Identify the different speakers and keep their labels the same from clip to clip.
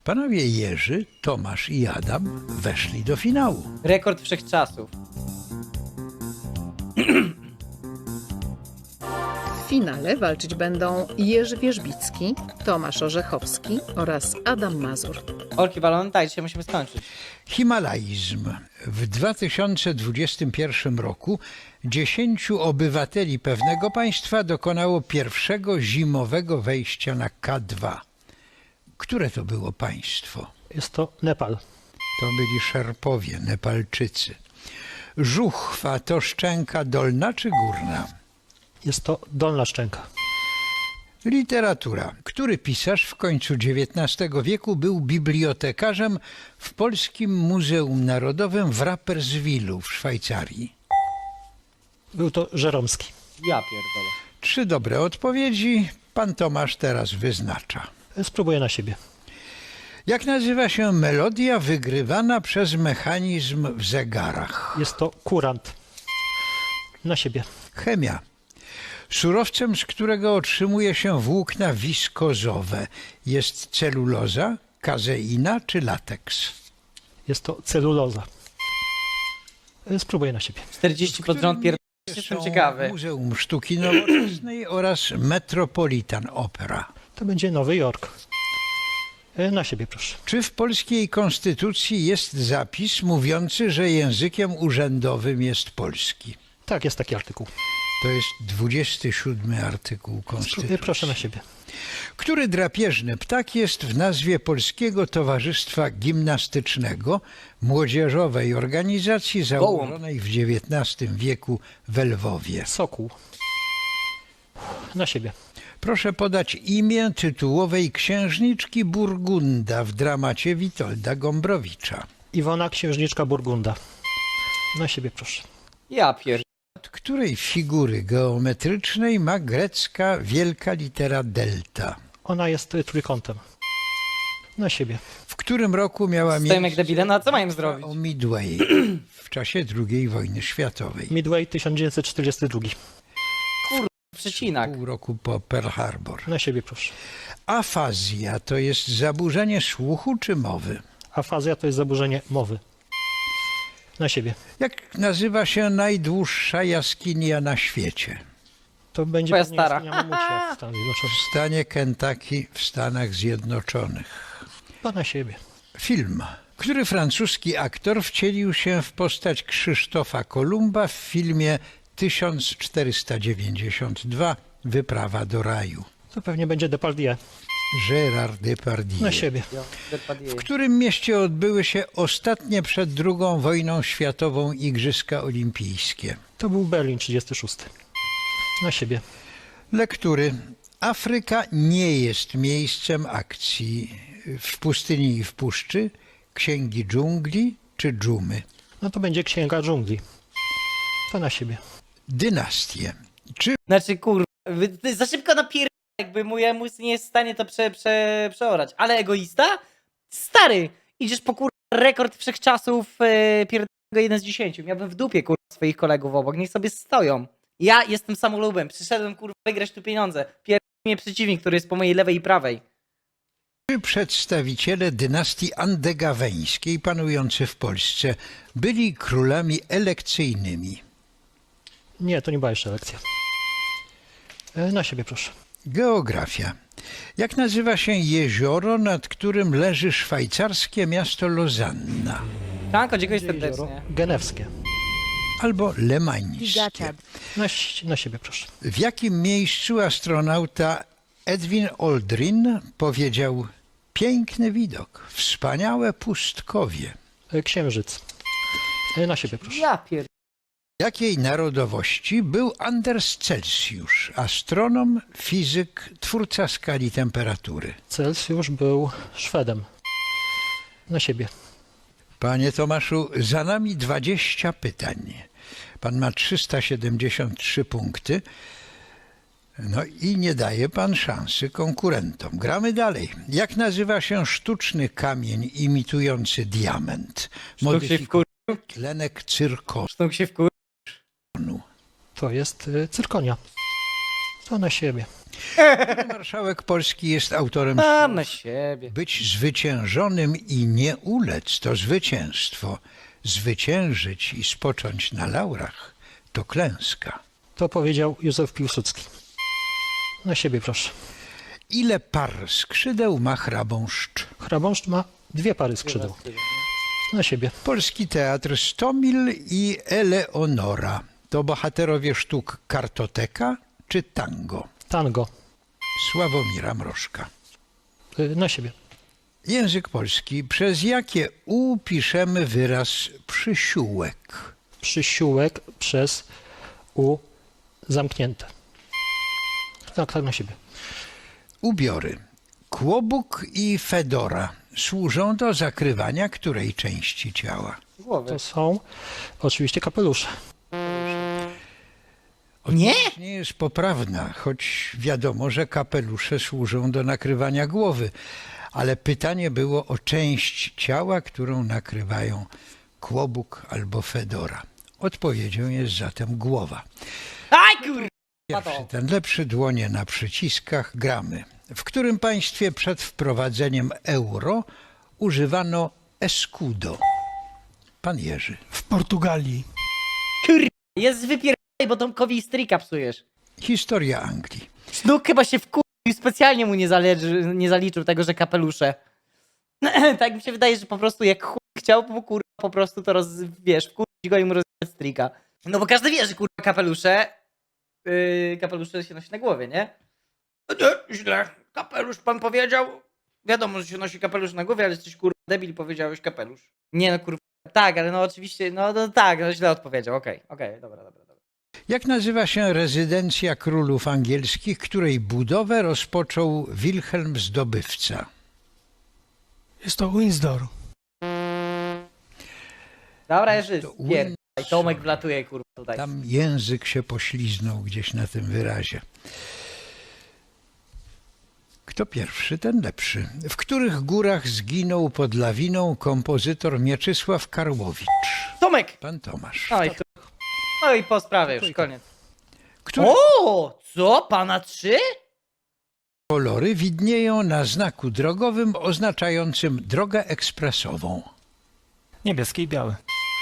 Speaker 1: Panowie Jerzy, Tomasz i Adam weszli do finału.
Speaker 2: Rekord wszechczasów.
Speaker 3: W finale walczyć będą Jerzy Wierzbicki, Tomasz Orzechowski oraz Adam Mazur.
Speaker 2: Olki balony, tak, dzisiaj musimy skończyć.
Speaker 1: Himalaizm. W 2021 roku 10 obywateli pewnego państwa dokonało pierwszego zimowego wejścia na K2. Które to było państwo?
Speaker 4: Jest to Nepal.
Speaker 1: To byli Szerpowie, Nepalczycy. Żuchwa to szczęka dolna czy górna?
Speaker 4: Jest to Dolna Szczęka.
Speaker 1: Literatura. Który pisarz w końcu XIX wieku był bibliotekarzem w Polskim Muzeum Narodowym w Rapperswilu w Szwajcarii?
Speaker 4: Był to Żeromski.
Speaker 2: Ja pierdolę.
Speaker 1: 3 dobre odpowiedzi. Pan Tomasz teraz wyznacza.
Speaker 4: Spróbuję na siebie.
Speaker 1: Jak nazywa się melodia wygrywana przez mechanizm w zegarach?
Speaker 4: Jest to kurant. Na siebie.
Speaker 1: Chemia. Surowcem, z którego otrzymuje się włókna wiskozowe, jest celuloza, kazeina czy lateks?
Speaker 4: Jest to celuloza. Spróbuję na siebie.
Speaker 2: 40 pod rząd pierdolę. Jestem
Speaker 1: Są
Speaker 2: ciekawy.
Speaker 1: Muzeum Sztuki Nowoczesnej oraz Metropolitan Opera.
Speaker 4: To będzie Nowy Jork. Na siebie, proszę.
Speaker 1: Czy w polskiej konstytucji jest zapis mówiący, że językiem urzędowym jest polski?
Speaker 4: Tak, jest taki artykuł.
Speaker 1: To jest 27 artykuł Konstytucji.
Speaker 4: Proszę na siebie.
Speaker 1: Który drapieżny ptak jest w nazwie Polskiego Towarzystwa Gimnastycznego, młodzieżowej organizacji założonej w XIX wieku w Lwowie?
Speaker 4: Sokół. Na siebie.
Speaker 1: Proszę podać imię tytułowej księżniczki Burgunda w dramacie Witolda Gombrowicza.
Speaker 4: Iwona Księżniczka Burgunda. Na siebie, proszę.
Speaker 2: Ja pierdolę.
Speaker 1: Od której figury geometrycznej ma grecka wielka litera delta?
Speaker 4: Ona jest trójkątem. Na siebie.
Speaker 1: W którym roku miała
Speaker 2: Stoimy jak
Speaker 1: miejsce
Speaker 2: debile, no a co mają zrobić?
Speaker 1: o Midway w czasie II wojny światowej?
Speaker 4: Midway 1942.
Speaker 2: Przecinak.
Speaker 1: Pół roku po Pearl Harbor.
Speaker 4: Na siebie, proszę.
Speaker 1: Afazja to jest zaburzenie słuchu czy mowy?
Speaker 4: Afazja to jest zaburzenie mowy. Na siebie.
Speaker 1: Jak nazywa się najdłuższa jaskinia na świecie?
Speaker 4: To będzie
Speaker 2: Twoja
Speaker 4: pewnie
Speaker 2: stara.
Speaker 4: jaskinia Mamucia w Stanach Zjednoczonych.
Speaker 1: W stanie Kentucky w Stanach Zjednoczonych.
Speaker 4: Chyba na siebie.
Speaker 1: Film. Który francuski aktor wcielił się w postać Krzysztofa Kolumba w filmie 1492 Wyprawa do raju?
Speaker 4: To pewnie będzie Depardieu.
Speaker 1: Gérard Depardieu.
Speaker 4: Na siebie.
Speaker 1: W którym mieście odbyły się ostatnie przed II wojną światową Igrzyska Olimpijskie?
Speaker 4: To był Berlin 36. Na siebie.
Speaker 1: Lektury. Afryka nie jest miejscem akcji w pustyni i w puszczy, księgi dżungli czy dżumy.
Speaker 4: No to będzie Księga Dżungli. To na siebie.
Speaker 1: Dynastie. Czy
Speaker 2: Znaczy kurwa, ty za szybko napierdolę, jakby mój mózg nie jest w stanie to przeorać. Ale egoista? Stary, idziesz po kurwa rekord wszechczasów pierdolnego 1 z 10. Miałbym w dupie kurwa swoich kolegów obok, niech sobie stoją. Ja jestem samolubem, przyszedłem kurwa wygrać tu pieniądze. Pierdolę mnie przeciwnik, który jest po mojej lewej i prawej.
Speaker 1: przedstawiciele dynastii andegaweńskiej panujący w Polsce byli królami elekcyjnymi?
Speaker 4: Nie, to nie była jeszcze lekcja. Na siebie, proszę.
Speaker 1: Geografia. Jak nazywa się jezioro, nad którym leży szwajcarskie miasto Lozanna?
Speaker 2: Franko, dziękuję
Speaker 4: Jezioro
Speaker 2: serdecznie.
Speaker 4: Genewskie.
Speaker 1: Albo lemańskie?
Speaker 4: Na siebie, proszę.
Speaker 1: W jakim miejscu astronauta Edwin Aldrin powiedział: piękny widok, wspaniałe pustkowie?
Speaker 4: Księżyc. Na siebie, proszę.
Speaker 2: Ja pierdolę.
Speaker 1: Jakiej narodowości był Anders Celsius, astronom, fizyk, twórca skali temperatury?
Speaker 4: Celsjusz był Szwedem. Na siebie.
Speaker 1: Panie Tomaszu, za nami 20 pytań. Pan ma 373 punkty. No i nie daje pan szansy konkurentom. Gramy dalej. Jak nazywa się sztuczny kamień imitujący diament?
Speaker 2: Sztuk się wkur...
Speaker 1: Tlenek cyrkonu.
Speaker 2: Sztuk się wkur...
Speaker 4: To jest cyrkonia. To na siebie.
Speaker 1: Marszałek Polski jest autorem
Speaker 2: Mam na
Speaker 1: słów.
Speaker 2: siebie.
Speaker 1: Być zwyciężonym i nie ulec to zwycięstwo. Zwyciężyć i spocząć na laurach to klęska.
Speaker 4: To powiedział Józef Piłsudski. Na siebie proszę.
Speaker 1: Ile par skrzydeł ma chrabąszcz?
Speaker 4: Chrabąszcz ma 2 pary skrzydeł. Na siebie.
Speaker 1: Polski Teatr Stomil i Eleonora to bohaterowie sztuk Kartoteka czy Tango?
Speaker 4: Tango.
Speaker 1: Sławomira Mrożka.
Speaker 4: Na siebie.
Speaker 1: Język polski. Przez jakie U piszemy wyraz przysiółek?
Speaker 4: Przysiółek przez U zamknięte. Tak, na siebie.
Speaker 1: Ubiory. Kłobuk i fedora służą do zakrywania której części ciała?
Speaker 2: Głowy.
Speaker 4: To są oczywiście kapelusze.
Speaker 2: Nie?
Speaker 1: Nie jest poprawna, choć wiadomo, że kapelusze służą do nakrywania głowy. Ale pytanie było o część ciała, którą nakrywają kłobuk albo fedora. Odpowiedzią jest zatem głowa.
Speaker 2: Aj kur...
Speaker 1: Pierwszy, ten lepszy, dłonie na przyciskach, gramy. W którym państwie przed wprowadzeniem euro używano escudo? Pan Jerzy.
Speaker 5: W Portugalii.
Speaker 2: Jest wypierdaj, bo Tomkowi stryka psujesz.
Speaker 1: Historia Anglii.
Speaker 2: Sznuk chyba się wkurzył i specjalnie mu nie zaliczył tego, że kapelusze. Tak mi się wydaje, że po prostu jak chuj chciał, po prostu to wiesz, wkurzyć go i mu rozwiązać strika. No bo każdy wie, że kurwa kapelusze się nosi na głowie, nie? No nie, źle. Kapelusz pan powiedział. Wiadomo, że się nosi kapelusz na głowie, ale jesteś kurwa debil, powiedziałeś kapelusz. Nie no kurwa, tak, ale no oczywiście, no tak, no źle odpowiedział, okej, dobra.
Speaker 1: Jak nazywa się rezydencja królów angielskich, której budowę rozpoczął Wilhelm Zdobywca?
Speaker 5: Jest to Windsor.
Speaker 2: Dobra, Jerzy,
Speaker 1: To
Speaker 2: pierdaj, Tomek wlatuje kurwa tutaj.
Speaker 1: Tam język się pośliznął gdzieś na tym wyrazie. Kto pierwszy, ten lepszy. W których górach zginął pod lawiną kompozytor Mieczysław Karłowicz?
Speaker 2: Tomek!
Speaker 1: Pan Tomasz.
Speaker 2: No i po sprawie już, koniec.
Speaker 1: Które
Speaker 2: O, co? Pana 3?
Speaker 1: kolory widnieją na znaku drogowym oznaczającym drogę ekspresową?
Speaker 6: Niebieski i biały.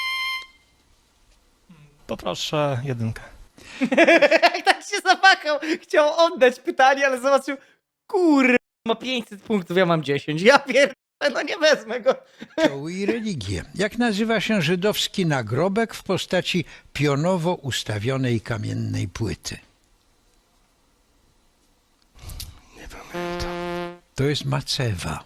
Speaker 6: Poproszę 1.
Speaker 2: Jak tak się zawahał, chciał oddać pytanie, ale zobaczył, kurwa, ma 500 punktów, ja mam 10. Ja pierdolę, no nie wezmę go.
Speaker 1: Kościoły i religie. Jak nazywa się żydowski nagrobek w postaci pionowo ustawionej kamiennej płyty?
Speaker 5: Nie pamiętam.
Speaker 1: To jest macewa.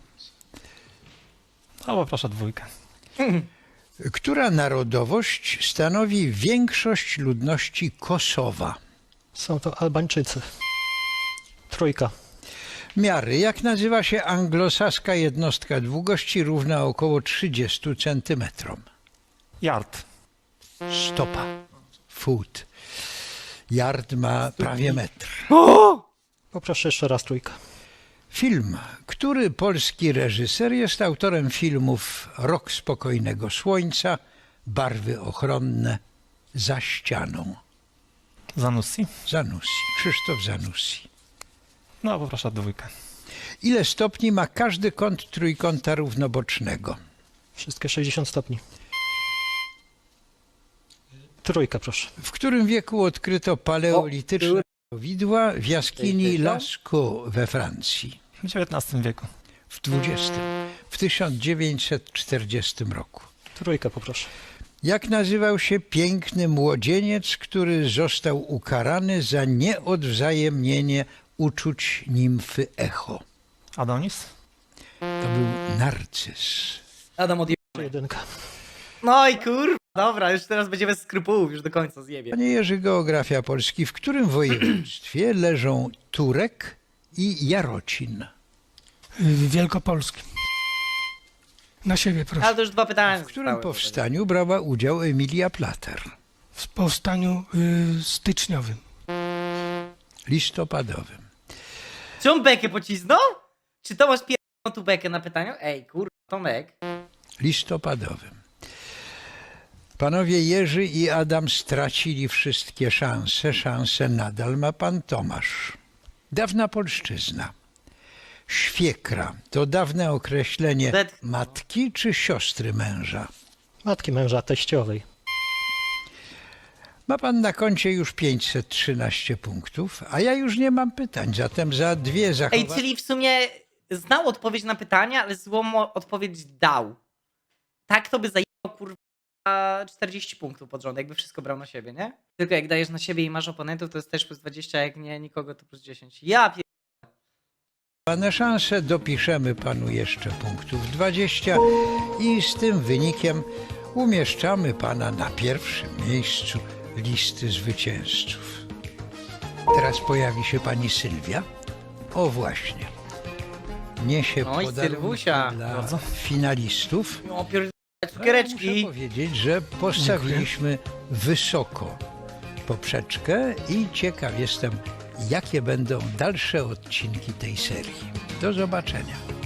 Speaker 6: No poproszę 2.
Speaker 1: Która narodowość stanowi większość ludności Kosowa?
Speaker 4: Są to Albańczycy. 3.
Speaker 1: Miary. Jak nazywa się anglosaska jednostka długości równa około 30 cm?
Speaker 6: Yard.
Speaker 1: Stopa. Foot. Yard ma prawie metr.
Speaker 4: Poproszę jeszcze raz 3.
Speaker 1: Film. Który polski reżyser jest autorem filmów Rok spokojnego słońca, Barwy ochronne, Za ścianą?
Speaker 6: Zanussi.
Speaker 1: Zanussi. Krzysztof Zanussi.
Speaker 6: No poproszę 2.
Speaker 1: Ile stopni ma każdy kąt trójkąta równobocznego?
Speaker 4: Wszystkie 60 stopni. 3 proszę.
Speaker 1: W którym wieku odkryto paleolityczne widła w jaskini Lascaux we Francji?
Speaker 6: W XIX wieku.
Speaker 1: W XX. W 1940 roku.
Speaker 4: 3 poproszę.
Speaker 1: Jak nazywał się piękny młodzieniec, który został ukarany za nieodwzajemnienie uczuć nimfy Echo?
Speaker 6: Adonis.
Speaker 1: To był Narcyz.
Speaker 2: Adam odjebał.
Speaker 4: 1.
Speaker 2: No i kurwa, dobra, już teraz będzie bez skrupułów, już do końca zjebie.
Speaker 1: Panie Jerzy, geografia Polski. W którym województwie leżą Turek i Jarocin?
Speaker 5: W Wielkopolskim. Na siebie proszę.
Speaker 2: Ale to już 2 pytania
Speaker 1: W którym
Speaker 2: zostały.
Speaker 1: powstaniu brała udział Emilia Plater?
Speaker 5: W powstaniu styczniowym.
Speaker 1: Listopadowym.
Speaker 2: Czy on bekę pocisnął? Czy Tomasz pierdolą tu bekę na pytaniu? Ej, kurwa, Tomek.
Speaker 1: Listopadowym. Panowie Jerzy i Adam stracili wszystkie szanse. Szanse nadal ma pan Tomasz. Dawna polszczyzna. Świekra to dawne określenie
Speaker 2: Odetchnął.
Speaker 1: matki czy siostry męża?
Speaker 4: Matki męża teściowej.
Speaker 1: Ma pan na koncie już 513 punktów, a ja już nie mam pytań, zatem za dwie
Speaker 2: Ej,
Speaker 1: zachowania...
Speaker 2: czyli w sumie znał odpowiedź na pytanie, ale złą odpowiedź dał. Tak to by zajęło kurwa 40 punktów pod rząd, jakby wszystko brał na siebie, nie? Tylko jak dajesz na siebie i masz oponentów, to jest też plus 20, a jak nie nikogo, to plus 10. Ja pier...
Speaker 1: szanse, dopiszemy panu jeszcze punktów 20 i z tym wynikiem umieszczamy pana na pierwszym miejscu listy zwycięzców. Teraz pojawi się pani Sylwia. O właśnie. Niesie
Speaker 2: Oj,
Speaker 1: podarunki
Speaker 2: Sylwusia.
Speaker 1: dla
Speaker 6: Bardzo.
Speaker 1: finalistów.
Speaker 2: No pier...
Speaker 1: Muszę
Speaker 2: cukiereczki.
Speaker 1: powiedzieć, że postawiliśmy wysoko poprzeczkę i ciekaw jestem, jakie będą dalsze odcinki tej serii. Do zobaczenia.